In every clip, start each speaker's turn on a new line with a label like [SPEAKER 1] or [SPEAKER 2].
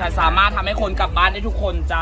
[SPEAKER 1] นสามารถทำให้คนกลับบ้านได้ทุกคนจ้า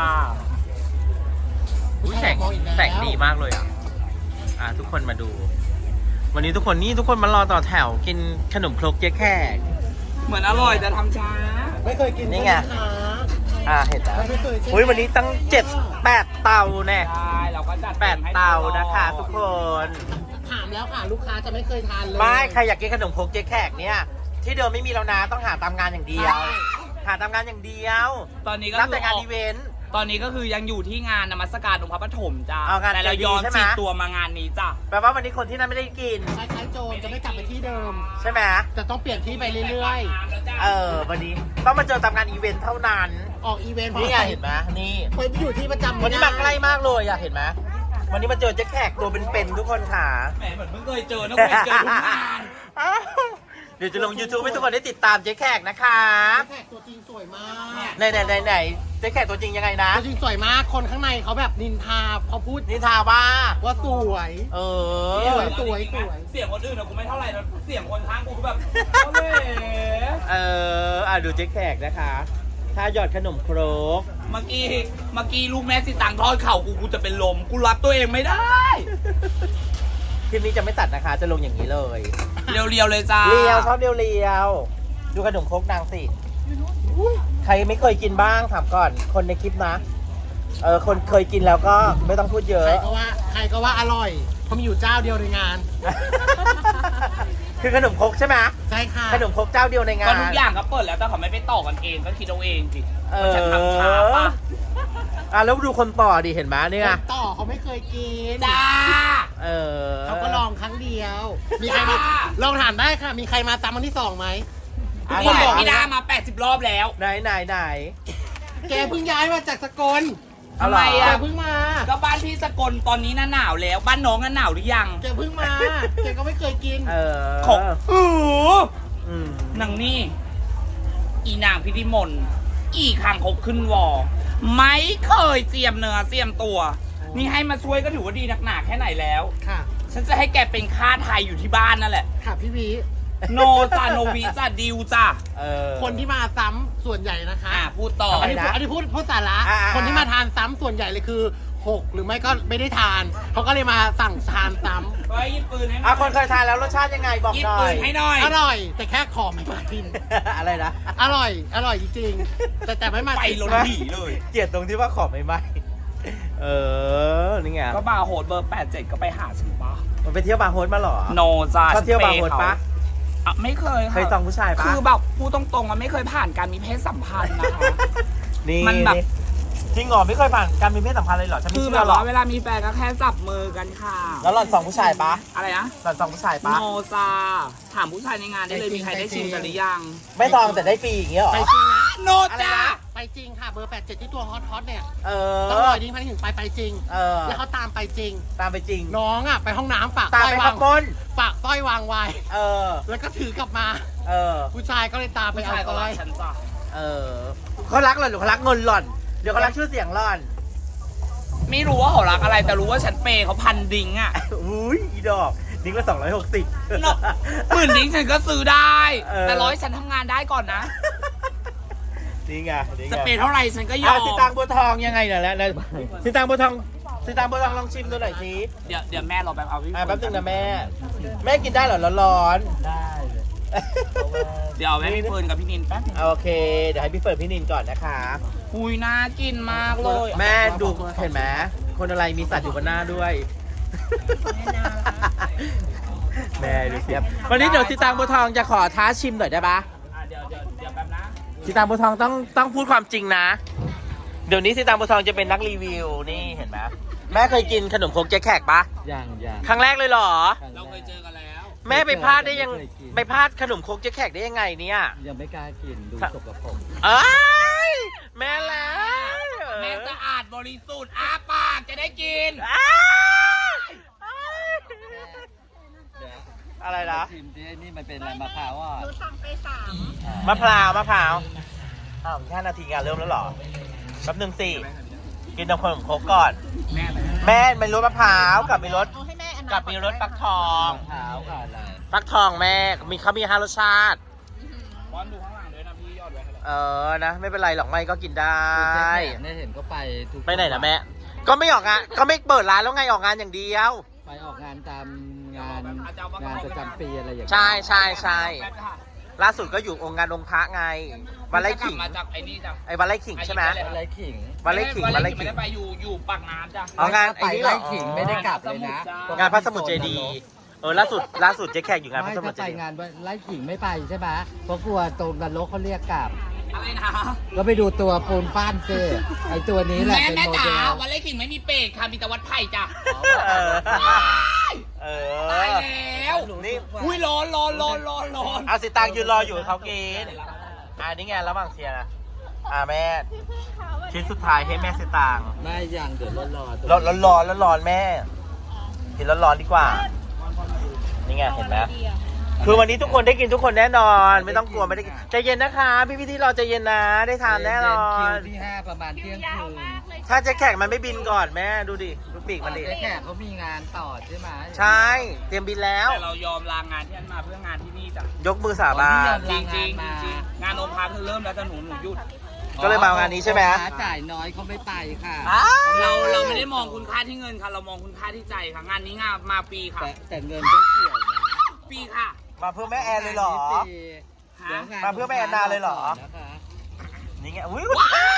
[SPEAKER 2] แสงดีมากเลยทุกคนมาดู วันนี้ทุกคนมารอต่อแถวกินขนมครกเจ๊แขก
[SPEAKER 1] เหมือนอร่อยแต่ทำช้า
[SPEAKER 3] ไม่เคยกิน
[SPEAKER 2] นี่ไงเห็นแล้วอุ้ยวันนี้ตั้ง7-8 เตาแน่
[SPEAKER 1] ใช่เราก็จัด
[SPEAKER 2] 8 เตานะคะทุกคน
[SPEAKER 3] ถามแล้วค่ะลูกค้าจะไม่เคยทานเลย
[SPEAKER 2] ไม่ใครอยากกินขนมครกเจ๊แขกเนี่ยที่เดิมไม่มีแล้วนะต้องหาตามงานอย่างเดียวหาตามงานอย่างเดียว
[SPEAKER 1] ตอนนี้ก็
[SPEAKER 2] รับแต่งานอีเวนต์
[SPEAKER 1] ตอนนี้ก็คือยังอยู่ที่งานนมัสการองค์พระปฐมจ้าแต่เราย้อนจีตัวมางานนี้จ้า
[SPEAKER 2] แปลว่าวันนี้คนที่นั่นไม่ได้กิน
[SPEAKER 3] คล้ายๆโจรจะไม่กลับไปที่เดิม
[SPEAKER 2] ใช่ไหม
[SPEAKER 3] จะต้องเปลี่ยนที่ไปเรื่อย
[SPEAKER 2] ๆวันนี้ต้องมาเจอตามงานอีเวนต์เท่านั้น
[SPEAKER 3] ออกอีเวนต์
[SPEAKER 2] นี่ไงเห็นไหมนี่
[SPEAKER 3] ไปอยู่ที่ประจำ
[SPEAKER 2] วันนี้มาใกล้มากเลยเห็นไหมวันนี้มาเจอเจ๊แขกตัวเป็นๆทุกคนค่ะ
[SPEAKER 1] แหมเหมือนเพิ่งเคยเจอนะเคยเจอทุกงาน
[SPEAKER 2] เดี๋ยวจะลง YouTube ให้ทุกคนได้ติดตามเจ๊แขกนะคะ
[SPEAKER 3] เจ๊แขกตัวจริงสวยมาก
[SPEAKER 2] ไหนเจ๊แขกตัวจริงยังไงนะ
[SPEAKER 3] ตัวจริงสวยมากคนข้างในเขาแบบนินทาเขาพูด
[SPEAKER 2] นินทาว่า
[SPEAKER 3] สวยสวย
[SPEAKER 1] เสียงคนอื่นนะกูไม่เท่าไหร่นะเสียงคนข้างกูแบบ
[SPEAKER 2] ดูเจ๊แขกนะคะถ้าหยอดขนมครก
[SPEAKER 1] เมื่อกี้ลูกแม่สิตังทอดเข่ากูจะเป็นลมกูรับตัวเองไม่ได้
[SPEAKER 2] คลิปนี้จะไม่ตัดนะคะจะลงอย่างนี้เลย
[SPEAKER 1] เรียวเลยจ้า
[SPEAKER 2] เรียวชอบเรียวดูขนมครกนางสิใครไม่เคยกินบ้างถามก่อนคนในคลิปนะคนเคยกินแล้วก็ไม่ต้องพูดเยอะ
[SPEAKER 3] ใครก็ว่าอร่อยเพราะมีอยู่เจ้าเดียวในงาน
[SPEAKER 2] คือขนมครกใช่ไหม
[SPEAKER 3] ใช่ค่ะ
[SPEAKER 2] ขนมครกเจ้าเดียวในงาน
[SPEAKER 1] ก็ทุกอย่างก็เปิดแล้วแต่เขาไม่ไปต่อกันเองก็คิดเอาเองสิฉันทำช้าป่ะ
[SPEAKER 2] แล้วดูคนต่อดิเห็นไหมเนี่ย
[SPEAKER 3] คนต่อเขาไม่เคยกิน
[SPEAKER 1] จ้า
[SPEAKER 3] เขาก็ลองครั้งเดียวมีใครมาลองถามได้ค่ะมีใครมาซ้ำวันที่2ไหม
[SPEAKER 1] ทุกคนบอกพี่ดามา80 รอบแล้ว
[SPEAKER 2] ไหน
[SPEAKER 3] แกเพิ่งย้ายมาจากสกล
[SPEAKER 1] ทำไม
[SPEAKER 3] เพิ่งมา
[SPEAKER 1] ก็บ้านพี่สกลตอนนี้หนาวแล้วบ้านน้องหนาวหรือยัง
[SPEAKER 3] แกเพิ่งมาแกก็ไม่เคยกิน
[SPEAKER 1] ของนางนี่อีนางพิธิมนอีคางคกขึ้นวอไม่เคยเจียมเนื้อเจียมตัวนี่ให้มาช่วยก็ถือว่าดีหนักๆแค่ไหนแล้ว
[SPEAKER 3] ค่ะ
[SPEAKER 1] ฉันจะให้แกเป็นค่าไทยอยู่ที่บ้านนั่นแหละ
[SPEAKER 3] ค่ะพี่วี
[SPEAKER 1] โนจ้าโนวีจ้าดิวจ้า
[SPEAKER 3] คนที่มาซ้ำส่วนใหญ่นะคะ
[SPEAKER 1] พูดต่อ
[SPEAKER 3] อันนี้พูดสาระคนที่มาทานซ้ำส่วนใหญ่เลยคือ6หรือไม่ก็ไม่ได้ทานเขาก็เลยมาสั่งทานซ้ำ
[SPEAKER 1] ไปยิบปืนให้
[SPEAKER 2] คนเคยทานแล้วรสชาติยังไงบอกหน่อยยิบปื
[SPEAKER 1] นให้หน่อย
[SPEAKER 3] อร่อยแต่แค่ขอไม่มากิน
[SPEAKER 2] อะไรนะ
[SPEAKER 3] อร่อยจริงๆแต่ไม่มา
[SPEAKER 1] ไปลงหีเลย
[SPEAKER 2] เกลียดตรงที่ว่าขอไม่มานี่ไง
[SPEAKER 1] ก็บาร์โฮสเบอร์87ก็ไปหาฉันปะ
[SPEAKER 2] มันไปเที่ยวบาร์โฮสมาหรอ
[SPEAKER 1] โนจ้า
[SPEAKER 2] ชอบเที่ยวบาร์โฮสปะ
[SPEAKER 1] ไม่เคย
[SPEAKER 2] เคยต้องผู้ชายปะ
[SPEAKER 1] คือแบบพูดตรงๆมันไม่เคยผ่านการมีเพศสัมพันธ์นะคะ
[SPEAKER 2] นี่มันแบบจริงเหรอไม่เคยผ่านการมีเพศสัมพันธ์เลยเหรอฉันไม่
[SPEAKER 1] เชื่
[SPEAKER 2] อหรอก
[SPEAKER 1] เวลามีแฟนก็แค่จับมือกันค่ะ
[SPEAKER 2] แล้วหล่อน2ผู้ชายปะ
[SPEAKER 1] อะไรนะ
[SPEAKER 2] หล่อน2ผู้ชายปะ
[SPEAKER 1] โนซาถามผู้ชายในงานได้เลยมีใครได้ชิมกันหรือยัง
[SPEAKER 2] ไม่ซองแต่ได้ฟรีอย่างเงี้ยหรอ
[SPEAKER 3] ไปจริงนะ
[SPEAKER 1] โนจ้า
[SPEAKER 3] ไปจริงค่ะเบอร์87ที่ตัวฮอตเนี่ยต้องรอดิ้งพันถึงไปจริงแล้วเขาตามไปจริงน้องไปห้องน้ำฝาก
[SPEAKER 2] สร้อยวาง
[SPEAKER 3] ฝากสร้อยวางไว้แล้วก็ถือกลับมาผู้ชายก็เลยตามไปเอาสร้อย
[SPEAKER 2] เขารักหล่อนหรือเขารักเงินหล่อนเดี๋ยวเขารักชื่อเสียงหล่อน
[SPEAKER 1] ไม่รู้ว่าเขารักอะไรแต่รู้ว่าฉันเปย์เขาพันดิ้ง
[SPEAKER 2] อุ้ยอีดอกดิ้งละ260
[SPEAKER 1] 10,000ดิ้งฉันก็ซื้อได้แต่100ฉันทำงานได้ก่อนนะ
[SPEAKER 2] นี่ไง
[SPEAKER 1] จะเปย์เท่าไหร่ฉันก็ยอม
[SPEAKER 2] สีตางบัวทองยังไงเนี่ยแหละสีตางบัวทองลองชิมดูหน่อยสิ
[SPEAKER 1] เดี๋ยวแม่รอแป๊
[SPEAKER 2] บนึงนะแม่กินได้เหรอร้อน
[SPEAKER 3] ได้
[SPEAKER 1] เดี๋ยวแม่พี่เฟิร์นกับพี่นินแป๊บ
[SPEAKER 2] โอเคเดี๋ยวให้พี่เฟิร์นพี่นินก่อนนะคะ
[SPEAKER 1] อุ้ยน่ากินมากเลย
[SPEAKER 2] แม่ดูเห็นไหมคนอะไรมีสัตว์อยู่บนหน้าด้วยแม่ดูสิวันนี้เดี๋ยวสีตางบัวทองจะขอท้าชิมหน่อยได้ปะ
[SPEAKER 1] เดี๋ยวแป๊บนะ
[SPEAKER 2] สีตางบัวทองต้องพูดความจริงนะเดี๋ยวนี้สีตางบัวทองจะเป็นนักรีวิวนี่เห็นไหมแม่เคยกินขนมครกเจ๊แขกปะ
[SPEAKER 3] ยัง
[SPEAKER 2] ครั้งแรกเลยเหรอ
[SPEAKER 1] เราเคยเจอกันแล้ว
[SPEAKER 2] แม่ไปพลาดได้ยังไปพลาดขนมครกเจ๊แขกได้ยังไงเนี่ย
[SPEAKER 3] ยังไม่กล้ากินดูสกปรก
[SPEAKER 2] แม่แล้ว
[SPEAKER 1] แม่สะอาดบริสุทธิ์อ้าปากจะได้กิน
[SPEAKER 2] อะไรนะ
[SPEAKER 3] ชิมที่นี่มันเป็นอะไรมะพร้าว
[SPEAKER 4] หนูสั่งไป3
[SPEAKER 2] มะพร้าว5 นาทีงานเริ่มแล้วหรอแป๊บนึงสิกินน้ำขนมครกก่อนแม่มีรสมะพร้าวกับมีรสฟักทองฟักทองแม่เขามี5 รสชาติ
[SPEAKER 1] บอลดูข้างหลังด้วยนะพี่ยอดไว้ให้เรา
[SPEAKER 2] นะไม่เป็นไรหรอกไม่ก็กินได้
[SPEAKER 4] เนี่ยเห็นก็ไปทุก
[SPEAKER 2] ไปไหนนะแม่ก็ไม่ออกงานก็ไม่เปิดร้านแล้วไงออกงานอย่างเดียว
[SPEAKER 4] ไปออกงานตามงานประจำปีอะไรอย่างเงี้ย
[SPEAKER 2] ใช่ใช่ใช่ล่าสุดก็อยู่องค์งานองค์พระไงวันไร่ขิง
[SPEAKER 1] มาจากไอ้นี่จ้ะ
[SPEAKER 2] ไอ้วันไร่ขิงใช่ไหม
[SPEAKER 4] อะไรขิง
[SPEAKER 2] วันไร่ขิงวันไร่ขิ
[SPEAKER 1] ไม่
[SPEAKER 2] ง
[SPEAKER 1] ได้ไปอยู่ปากน้ำจ้ะ
[SPEAKER 2] อ๋องาน
[SPEAKER 4] ไป
[SPEAKER 2] ไอ้นี่เหร
[SPEAKER 4] ไล่
[SPEAKER 2] อ
[SPEAKER 4] ขิงไม่ได้กลับเลยนะ
[SPEAKER 2] งานพระสมุทรเจดีย์ล่าสุดเจ๊แขกอยู่งานพ
[SPEAKER 4] ไม่
[SPEAKER 2] ระสมุท
[SPEAKER 4] ถ้าร
[SPEAKER 2] เจ
[SPEAKER 4] ไป
[SPEAKER 2] ดีย์
[SPEAKER 4] งานไล่ขิงไม่ไปใช่ไหมเพราะกลัวตรงนรกเขาเรียกกลับ
[SPEAKER 1] อะไรนะ
[SPEAKER 4] ก็ไปดูตัวปูนป้านซิไอตัวนี้แหละ
[SPEAKER 1] แม่
[SPEAKER 4] เป็น
[SPEAKER 1] แม่
[SPEAKER 4] โม
[SPEAKER 1] จ๋า
[SPEAKER 4] เดล
[SPEAKER 1] วันเล่ขิงไม่มีเป็ดค่ะมีแต่วัดไผ่จ้ะ
[SPEAKER 2] เอ
[SPEAKER 1] ตาย
[SPEAKER 2] อ
[SPEAKER 1] แล้ว
[SPEAKER 2] นี่
[SPEAKER 1] อุ้ยร้อน
[SPEAKER 2] เอาสิตังยืนรออยู่เขากินนี่ไงระหว่างเชียร์นะแม่ชิ้นสุดท้ายให้แม่สิตัง
[SPEAKER 4] ไม่ยังเดี๋ยวรอ
[SPEAKER 2] ร้อนแม่กินร้อนดีกว่านี่ไงเห็นไหมคือวันนี้ทุกคนได้กินทุกคนแน่นอน ไม่ต้องกลัวไม่ได้กินใจเย็นนะคะพี่ที่รอใจเย็นนะได้ทานแน่นอ
[SPEAKER 4] คิวน ที่ 5 ประมาณเที่ยงคืน
[SPEAKER 2] ถ้าเจ๊แขกมันไม่บินก่อนแม่ดูดิดูปีกมันดิ
[SPEAKER 4] แขกเขามีงานต่อใช่ไหม
[SPEAKER 2] ใช่เตรียมบินแล้ว
[SPEAKER 1] แต่เรายอมลางานที่นั่นมาเพื่องานที่นี่จ้ะ
[SPEAKER 2] ยกมือสาบาน
[SPEAKER 1] จริงงานโอภาคือเริ่มแล้วแต่หนูหยุด
[SPEAKER 2] ก็เลยมางานนี้ใช่ไหม
[SPEAKER 4] ค้าจ่ายน้อยเขาไม่ไปค่ะ
[SPEAKER 1] เราไม่ได้มองคุณค่าที่เงินค่ะเรามองคุณค่าที่ใจค่ะงานนี้งานมาฟรีค่ะ
[SPEAKER 4] แต่เงินก็เกี่ยวนะ
[SPEAKER 1] ฟรีค่ะ
[SPEAKER 2] มาเพื่อแม่แอนเลยเหรอ มาเพื่อแม่แอนนาเลยเหรอ นี่ไงอุ้ย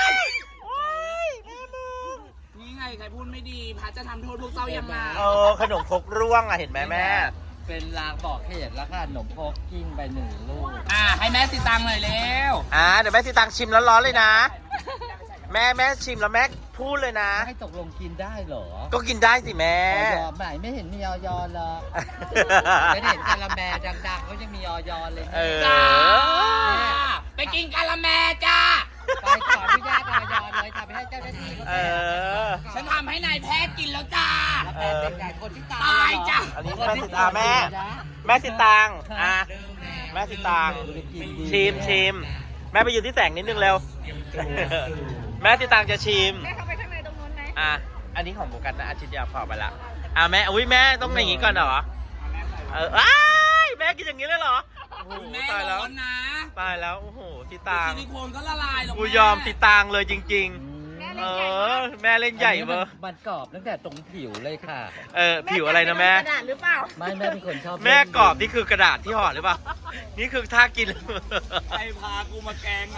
[SPEAKER 1] นี่ไงใครพูดไม่ดีพระจะทำโทษพวกเจ้ายังไง
[SPEAKER 2] ขนมครกร่วงเห็นไหมแม่
[SPEAKER 4] เป็นลางบอกเหตุแล้วค่ะขนมพกกิ้งไป1 ลูก
[SPEAKER 1] ให้แม่สิตังหน่อยเร็ว
[SPEAKER 2] เดี๋ยวแม่สิตังชิมร้อนๆเลยนะ แม่ชิมแล้วแม่พูดเลยนะ
[SPEAKER 4] ให้ตกลงกินได้เหรอ
[SPEAKER 2] ก็กินได้สิแม่
[SPEAKER 4] ออยไหนไม่เห็นมีออยเลยไม่เห็นกาละแมดังๆเขายังมีออยเลย
[SPEAKER 1] จ้าไปกินกะละแมจ้า
[SPEAKER 4] ไปขออนุญาตออยเลยทำไปให้เจ้าหน้าที่เขา
[SPEAKER 1] ฉันทำให้นายแพทย์กินแล้วจ้า
[SPEAKER 4] แล้วแพทย์เป็นไงคนที่ตาย
[SPEAKER 1] ตายจ้ะ
[SPEAKER 2] อันนี้แม่สิตังแม่สิตังแม่สิตังชิมแม่ไปยืนที่แสงนิดนึงเร็ว แม่สิตังจะชิม
[SPEAKER 5] แม่เข้าไปข้างในตรงนู้นไหม
[SPEAKER 2] อันนี้ของโบกันนะอาทิตย์เดียวพอไปละแม่อุ้ยแม่ต้องอย่างนี้ก่อนเหรอแม่กินอย่างนี้เลยเหรอโอ้โห
[SPEAKER 1] แม่
[SPEAKER 2] ตายแล้ว
[SPEAKER 1] ร้อนนะ
[SPEAKER 2] ตายแล้วโอ้โหสิตัง
[SPEAKER 1] ซิลิโคนก็ละลายหรอก
[SPEAKER 2] กูยอมสิตังเลยจริง
[SPEAKER 5] แม่เล่นใหญ่
[SPEAKER 2] ๆ แม่เล่นใหญ่เบอร์
[SPEAKER 4] มันกรอบตั้งแต่ตรงผิวเลยค่ะ
[SPEAKER 2] ผิวอะไรนะแม่
[SPEAKER 5] กระดาษหรือเปล่า
[SPEAKER 4] ไม่แม่เป็นคนชอบ
[SPEAKER 2] แม่กรอบนี่คือกระดาษที่ห่อหรือเปล่า นี่คือท่ากิน
[SPEAKER 1] ใครพากูมาแกง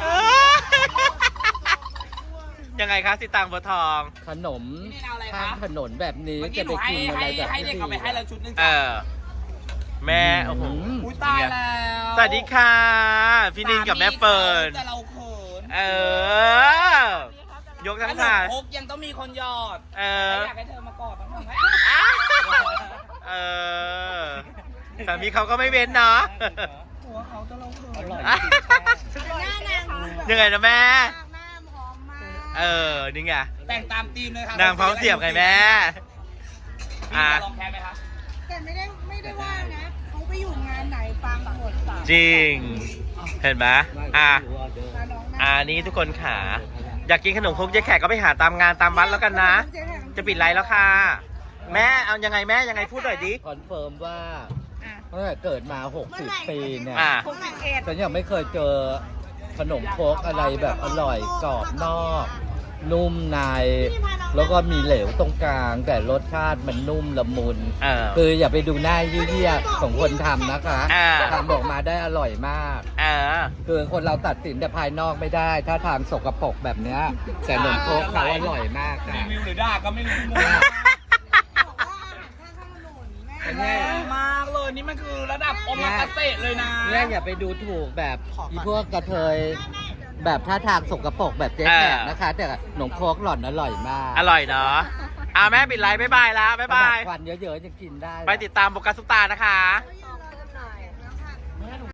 [SPEAKER 2] ยังไงคะสิตังบัวทอง
[SPEAKER 4] ขนม
[SPEAKER 1] นี่เอาอะไร
[SPEAKER 4] ข้าง
[SPEAKER 1] คะ
[SPEAKER 4] ถนนแบบนี้
[SPEAKER 1] เมื่อ
[SPEAKER 4] จะ
[SPEAKER 1] กี้ห
[SPEAKER 4] ไป
[SPEAKER 1] นู
[SPEAKER 4] กินอะไรแบบ
[SPEAKER 1] ให้เด็กเอาไปให้เราชุดนึง
[SPEAKER 2] เอ
[SPEAKER 1] จ้ะ
[SPEAKER 2] แม่โอ้โห
[SPEAKER 1] อุ้ยตายแล้ว
[SPEAKER 2] สวัสดีค่ะ พี่นินกับแม่เปิด
[SPEAKER 1] แต่เราเขิน
[SPEAKER 2] ยกทั้ง
[SPEAKER 1] ขน
[SPEAKER 2] ถาม ด
[SPEAKER 1] ครกยังต้องมีคนหยอด อยากให้เธอมากอดต้องทำให้
[SPEAKER 2] สามีเขาก็ไม่เว้นเนาะ
[SPEAKER 1] หัวเขาจะเราเขิน
[SPEAKER 4] อร่อย
[SPEAKER 5] หน้านาง
[SPEAKER 2] ยังไงนะแม่
[SPEAKER 5] หน้าหอมมาก
[SPEAKER 2] นี่ไง
[SPEAKER 1] แต่งตามธีมเลยค่ะ
[SPEAKER 2] นางพร้อมเสียบไงแม่
[SPEAKER 1] พี่จะลองแพ้ไหมคะ
[SPEAKER 5] แต่ไม่ได้ว่านะเขาไปอยู่งานไหนฟังหมดสาม
[SPEAKER 2] จริง เห็นไหม
[SPEAKER 5] น้องหน้า
[SPEAKER 2] นี่ทุกคนขาอยากกินขนมครกเจ๊แขกก็ไปหาตามงานตามวัดแล้วกันนะ จะปิดไลฟ์แล้วค่ะ แม่เอายังไงแม่ยังไงพูดหน่อยดิ
[SPEAKER 4] คอนเฟิร์มว่าตั้งแต่เกิดมา 60 ปีเนี่ย
[SPEAKER 5] พวกนางเอ็ด
[SPEAKER 4] ฉันยังไม่เคยเจอขนมครกอะไรแบบอร่อยกรอบนอก นุ่มใน แล้วก็มีเหลวตรงกลาง แต่รสชาติมันนุ่มละมุน คืออย่าไปดูหน้าเยี่ยๆของคนทำนะคะทำออกมาได้อร่อยมาก คือคนเราตัดสินแต่ภายนอกไม่ได้ ถ้าทางสกปรกแบบเนี้ยแต่ขนมครกเขาอร่อยมาก
[SPEAKER 1] รี
[SPEAKER 4] ค่ะ
[SPEAKER 1] วิวหรือด่าก็ไม่รู้
[SPEAKER 5] บอกว่าอาหารข้างถนนแม่
[SPEAKER 1] แรงมากเลยนี่มันคือระดับโอมากาเสะเลยนะ
[SPEAKER 4] เนี่ยอย่าไปดูถูกแบบอีพวกกระเทยแบบท่าทางสกปรกแบบเจ๊แขกนะคะ แต่ขนมโครกหล่อนอร่อยมาก
[SPEAKER 2] อร่อยเนาะแม่ปิดไลฟ์บ๊ายบายแล้วบ๊ายบาย
[SPEAKER 4] ควันเยอะๆยังกินได้
[SPEAKER 2] ไปติดตามโบกัสซุปตานะคะ
[SPEAKER 5] เขา